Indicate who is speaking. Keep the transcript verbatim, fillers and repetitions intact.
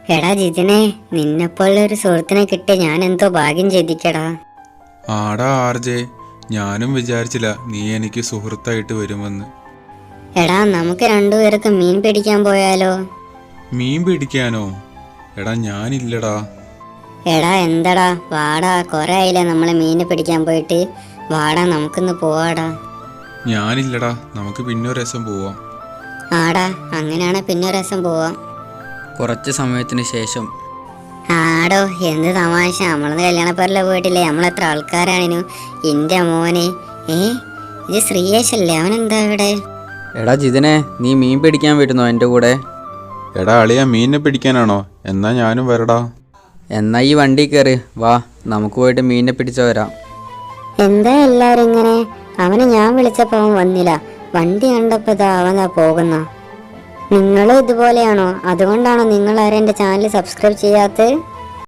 Speaker 1: എടാ ജിതിനെ, നിന്നെപ്പോലൊരു സുഹൃത്തിനെ കിട്ടി ഞാൻ എന്തോ ഭാഗ്യം ചെയ്തിക്കടാ.
Speaker 2: ആടാ ആർജെ, ഞാനും വിചാരിച്ചില്ല നീ എനിക്ക് സുഹൃത്തായിട്ട് വരുമെന്ന്.
Speaker 1: എടാ നമുക്ക് രണ്ടുപേർക്ക് മീൻ പിടിക്കാൻ പോയാലോ?
Speaker 2: മീൻ പിടിക്കാനോ? എടാ ഞാനില്ലടാ.
Speaker 1: എടാ എന്തടാ, വാടാ, കൊറേ ആയില്ലേ നമ്മള് മീന് പിടിക്കാൻ പോയിട്ട്. വാടാ, നമുക്കിന്ന് പോവാടാ.
Speaker 2: ഞാനില്ലടാ, നമുക്ക് പിന്നെ ഒരു രസം പോവാം.
Speaker 1: ആടാ, അങ്ങനെയാണെ പിന്നെ ഒരു രസം പോവാം.
Speaker 3: കുറച്ച് സമയത്തിന് ശേഷം.
Speaker 1: ആടോ, എന്ത് തമാശ, നമ്മളന്ന് കല്യാണപ്പേരിലെ പോയിട്ടില്ലേ? നമ്മളെത്ര ആൾക്കാരാണിനു. എൻ്റെ മോനെ, ഏ ഇത് ശ്രീയേഷല്ലേ? അവനെന്താ ഇവിടെ?
Speaker 3: എടാ ജിതിനെ, നീ മീൻ പിടിക്കാൻ വരുന്നോ എൻ്റെ കൂടെ?
Speaker 2: എടാ അളിയ, മീനിനെ പിടിക്കാനാണോ? എന്നാ ഞാനും വരടാ.
Speaker 3: എന്നാ ഈ വണ്ടി കയറി വാ, നമുക്ക് പോയിട്ട് മീനിനെ പിടിച്ചു വരാം.
Speaker 1: എന്താ എല്ലാരും ഇങ്ങനെ? അവനെ ഞാൻ വിളിച്ചപ്പോ അവൻ വന്നില്ല. വണ്ടി കണ്ടപ്പോ ഇതാ അവനാ പോകുന്ന. നിങ്ങളും ഇതുപോലെയാണോ? അതുകൊണ്ടാണോ നിങ്ങൾ ആരും എൻ്റെ ചാനൽ സബ്സ്ക്രൈബ് ചെയ്യാത്തത്?